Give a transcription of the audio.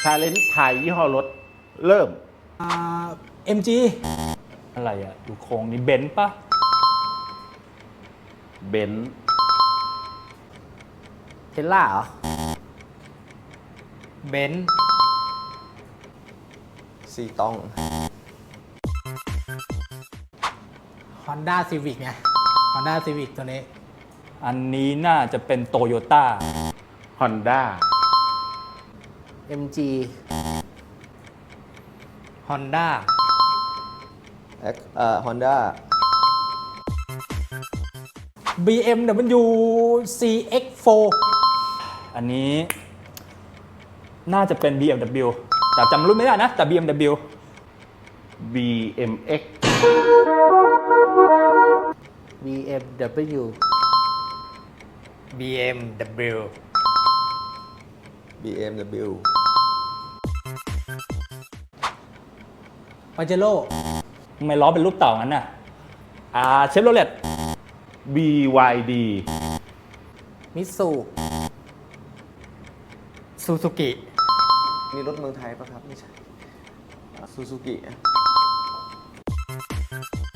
าเลนไทยยี่ห้อรถเริ่ม MG อะไรอ่ะดูโครงนี่เบนซ์ปะเบนซ์เทสลาเหรอเบนซ์ซีตอง Honda Civic ไง Honda Civic ตัวนี้อันนี้น่าจะเป็นโตโยต้าฮอนด้า MG Honda ฮอนด้า BMW CX4 อันนี้น่าจะเป็น BMW แต่จำรุ่นไม่ได้นะ แต่ BMW BMX BMW BMW BMW ปาเจโร่ทำไมล้อเป็นรูปเต่างั้นน่ะเชฟโรเลต BYD มิตซูซูซูกินี่รถเมืองไทยปะครับ ไม่ใช่ซูซูกิ